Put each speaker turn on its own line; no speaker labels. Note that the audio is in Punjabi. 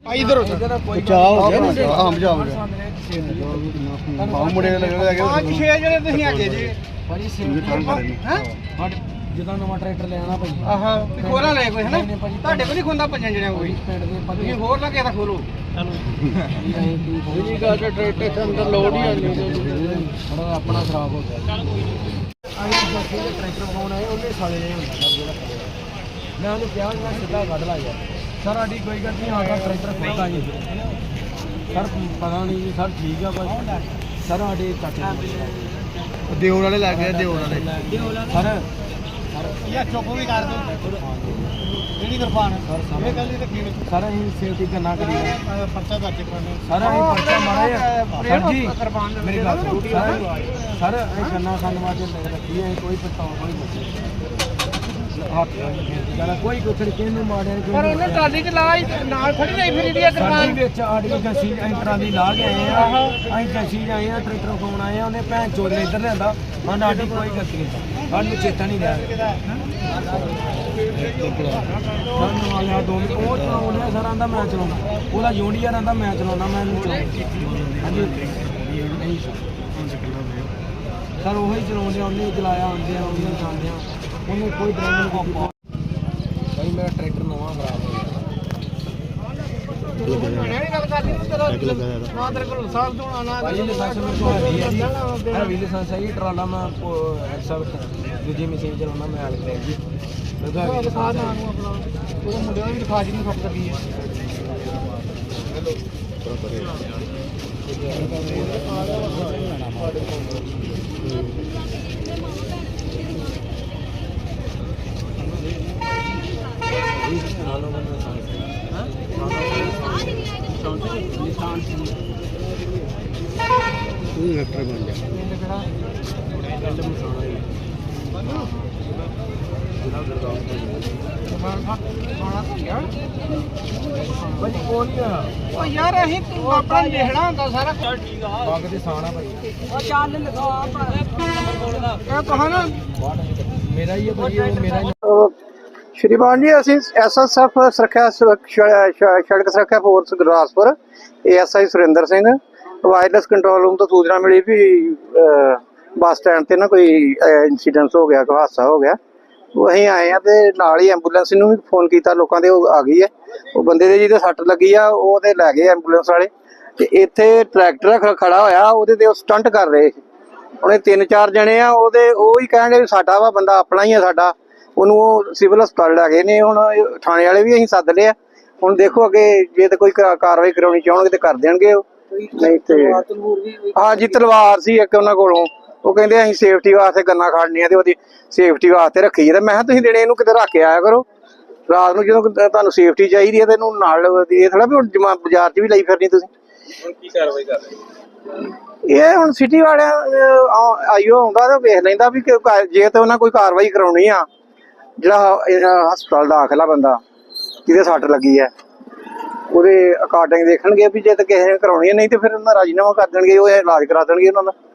इधर बचाव हो गया ना। हाँ बचाव हो गया। हाँ मुड़े लगे पांच छह जने ਤੁਸੀਂ ਆਗੇ ਜੀ ਭਾਜੀ ਸੇਵ ਹੈ ਜਦੋਂ ਨਵਾਂ ਟਰੈਕਟਰ ਲੈਣਾ ਭਾਈ ਆਹਾ ਖੋਲਾ ਲੈ ਕੋਈ ਹੈ ਨਾ ਤੁਹਾਡੇ ਕੋਲ ਨਹੀਂ ਖੁੰਦਾ ਪੰਜਾਂ ਜਣਿਆਂ ਕੋਈ ਤੁਸੀਂ ਹੋਰ ਨਾ ਕਿਸੇ ਦਾ ਖੋਲੋ ਚਲੋ ਇਹ ਗੱਲ ਟਰੈਕਟਰ ਦੇ ਅੰਦਰ ਲੋਡ ਹੀ ਆਣੀ ਥੋੜਾ ਆਪਣਾ ਖਰਾਬ ਹੋ ਗਿਆ ਚੱਲ ਕੋਈ ਨਹੀਂ ਆਈ ਬੱਸੇ ਦੇ ਟਰੈਕਟਰ ਬਣਾਉਣਾ ਹੈ ਉਹਨੇ ਸਾਲੇ ਨੇ ਹੁੰਦਾ ਜਿਹੜਾ ਮੈਂ ਉਹਨੂੰ ਕਿਹਾ ਮੈਂ ਸਿੱਧਾ ਕੱਢ ਲਾ ਯਾਰ ਸਰ ਸਾਡੀ ਕੋਈ ਗੱਲ ਨਹੀਂ ਆਗਾ ਟਰੈਕਟਰ ਖੋਲਦਾ ਜੀ ਸਰ ਪਤਾ ਨਹੀਂ ਜੀ ਸਰ ਠੀਕ ਆ ਬਸ ਸਰ ਸਾਡੇ ਚਾਚੇ ਦਿਓਰ ਵਾਲੇ ਲੱਗ ਗਏ ਦਿਓਰ ਵਾਲੇ ਸਰ ਯਾ ਚੁੱਪ ਵੀ ਕਰ ਦੋ ਜਿਹੜੀ ਕਿਰਪਾਨ ਇਹ ਗੱਲ ਨਹੀਂ ਰੱਖੀ ਸਰ ਅਸੀਂ ਸੇਫਟੀ ਕਰਨਾ ਕਰੀ ਪਰਚਾ ਦਰਜ ਕਰਨਾ ਸਰ ਅਸੀਂ ਪਰਚਾ ਮਾਰਿਆ ਸਰ ਜੀ ਮੇਰੀ ਗੱਲ ਸਰ ਅਸੀਂ ਗੰਨਾ ਖਾਣ ਵਾਸਤੇ ਰੱਖੀ ਹੈ ਕੋਈ ਪਛਤਾਵਾ ਕੋਈ ਨਹੀਂ ਕੋਈ ਕੁਛ ਕਿਹਨੂੰ ਮਾਰਿਆ ਪਰ ਉਹਨੇ ਟਰਾਲੀ 'ਚ ਲਾ ਨਾਲ ਖੜੀ ਜਾਈ ਫਿਰ ਇਹਦੀ ਕਿਰਪਾਨ ਵਿੱਚ ਆੜੀ ਜੱਸੀ ਟਰਾਲੀ ਲਾ ਕੇ ਆਏ ਆ ਅਸੀਂ ਜੱਸੀ ਆਏ ਆ ਟਰੈਕਟਰ ਫੋਨ ਆਏ ਆ ਉਹਨੇ ਭੈਣ ਚੋਦ ਨੇ ਇੱਧਰ ਲਿਆਂਦਾ ਹਾਂ ਸਾਡੀ ਕੋਈ ਗਲਤੀ ਨਹੀਂ ਸਾਨੂੰ ਚੇਤਾ ਨਹੀਂ ਰਿਹਾ ਸਾਨੂੰ ਆਇਆ ਦੋ ਮਿੰਟ ਉਹ ਚਲਾਉਂਦਾ ਸਰ ਆਂਦਾ ਮੈਂ ਚਲਾਉਣਾ ਉਹਦਾ ਜੂਨੀਅਰ ਆਂਦਾ ਮੈਂ ਚਲਾਉਣਾ ਮੈਂ ਨਹੀਂ ਚਲਾਉਣਾ ਹਾਂਜੀ ਸਰ ਉਹੀ ਚਲਾਉਂਦੇ ਉਹਨੇ ਚਲਾਇਆ ਆਉਂਦੇ ਆ ਉਹਨੇ ਜਾਂਦੇ ਆ ਉਹਨੇ ਕੋਈ ਡਰਾਈਵਰ ਨੂੰ ਭਾਈ ਮੇਰਾ ਟਰੈਕਟਰ ਨਵਾਂ ਖਰਾਬ ਹੋ ਗਿਆ ਨਾ ਤੇਰੇ ਕੋਲ ਲਾਇਸੈਂਸ ਤੋਂ ਆਣਾ ਭਾਈ ਲਾਇਸੈਂਸ ਮੇਰੇ ਕੋਲ ਹੈ ਵੀ ਲਾਇਸੈਂਸ ਹੈ ਟਰਾਲਾ ਮੈਂ ਐਕਸਲ ਦੂਜੀ ਮਸ਼ੀਨ ਚਲਾਉਣਾ ਮੈਂ ਹਾਲ ਕਰੇ ਜੀ ਮੈਂ ਤਾਂ ਦਿਖਾ ਦਾਂ ਨੂੰ ਆਪਣਾ ਉਹ ਮੁੰਡੇ ਨੂੰ ਵੀ ਦਿਖਾ ਜੀ ਨੂੰ ਖੱਪ ਲੱਗੀ ਹੈ ट्रैक्टर बन जाए यार अहीं तू अपना लिखना होंदा सारा चल ठीक आ बाग दे साना भाई ओ चाल लिखा ए कहा ना मेरा ही है भाई मेरा श्रीमान जी ਅਸੀਂ ਐਸਐਸਐਫ ਸੁਰੱਖਿਆ ਸੜਕ ਸੁਰੱਖਿਆ force Gurdaspur ASI Surinder Singh wireless control room ਤੋਂ ਸੂਚਨਾ ਮਿਲੀ ਵੀ ਬੱਸ ਸਟੈਂਡ ਤੇ ਨਾ ਕੋਈ ਇਨਸੀਡੈਂਟ ਹੋ ਗਿਆ ਕੋਈ ਹਾਦਸਾ ਹੋ ਗਿਆ ਉਹ ਅਸੀਂ ਆਏ ਆ ਤੇ ਨਾਲ ਹੀ ਐਂਬੂਲੈਂਸ ਨੂੰ ਵੀ ਫੋਨ ਕੀਤਾ ਲੋਕਾਂ ਦੇ ਉਹ ਆ ਗਈ ਹੈ ਉਹ ਬੰਦੇ ਦੇ ਜਿਹਦੇ ਸੱਟ ਲੱਗੀ ਆ ਉਹ ਤੇ ਲੈ ਗਏ ਐਂਬੂਲੈਂਸ ਵਾਲੇ ਤੇ ਇੱਥੇ ਟਰੈਕਟਰ ਖੜਾ ਹੋਇਆ ਉਹਦੇ ਤੇ ਉਹ ਸਟੰਟ ਕਰ ਰਹੇ ਉਹਨੇ 3-4 ਜਣੇ ਆ ਉਹਦੇ ਉਹ ਹੀ ਕਹਿੰਦੇ ਵੀ ਸਾਡਾ ਵਾ ਬੰਦਾ ਆਪਣਾ ਹੀ ਆ ਸਾਡਾ ਉਹਨੂੰ ਉਹ ਸਿਵਲ ਹਸਪਤਾਲ ਲੈ ਗਏ ਨੇ ਹੁਣ ਥਾਣੇ ਵਾਲੇ ਵੀ ਅਸੀਂ ਸੱਦ ਲਿਆ ਹੁਣ ਦੇਖੋ ਅੱਗੇ ਜੇ ਤੇ ਕੋਈ ਕਾਰਵਾਈ ਕਰਾਉਣੀ ਚਾਹਣਗੇ ਤੇ ਕਰ ਦੇਣਗੇ ਉਹ ਨਹੀਂ ਤੇ ਹਾਂ ਜੀ ਤਲਵਾਰ ਸੀ ਇੱਕ ਉਹਨਾਂ ਕੋਲੋਂ ਉਹ ਕਹਿੰਦੇ ਅਸੀਂ ਸੇਫਟੀ ਵਾਸਤੇ ਗੰਨਾ ਖੜਨੀ ਆ ਤੇ ਉਹਦੀ ਸੇਫਟੀ ਵਾਸਤੇ ਰੱਖੀ ਹੈ ਤੇ ਮੈਂ ਕਿਹਾ ਤੁਸੀਂ ਦਿਨੇ ਇਹਨੂੰ ਕਿਤੇ ਰੱਖ ਕੇ ਆਇਆ ਕਰੋ ਰਾਤ ਨੂੰ ਜਦੋਂ ਤੁਹਾਨੂੰ ਸੇਫਟੀ ਚਾਹੀਦੀ ਹੈ ਤੇ ਇਹਨੂੰ ਨਾਲ ਇਹ ਥੋੜਾ ਵੀ ਹੁਣ ਬਾਜ਼ਾਰ 'ਚ ਵੀ ਲਈ ਫਿਰਨੀ ਤੁਸੀਂ ਹੁਣ ਕੀ ਕਾਰਵਾਈ ਕਰ ਰਹੇ ਇਹ ਹੁਣ ਸਿਟੀ ਵਾਲਿਆਂ ਆਈਓ ਆਉਂਦਾ ਤੇ ਵੇਖ ਲੈਂਦਾ ਵੀ ਜੇ ਤੇ ਉਹਨਾਂ ਕੋਈ ਕਾਰਵਾਈ ਕਰਾਉਣੀ ਆ ਜਿਹੜਾ ਹਸਪਤਾਲ ਦਾਖਲਾ ਬੰਦਾ ਜਿਹਦੇ ਸੱਟ ਲੱਗੀ ਹੈ ਉਹਦੇ ਅਕਾਰਡਿੰਗ ਦੇਖਣਗੇ ਵੀ ਜੇ ਤਾਂ ਕਿਸੇ ਨੇ ਕਰਾਉਣੀ ਹੈ ਨਹੀਂ ਤੇ ਫਿਰ ਉਹਨਾਂ ਰਾਜੀਨਾਮਾ ਕਰ ਦੇਣਗੇ ਉਹ ਇਲਾਜ ਕਰਾ ਦੇਣਗੇ ਉਹਨਾਂ ਦਾ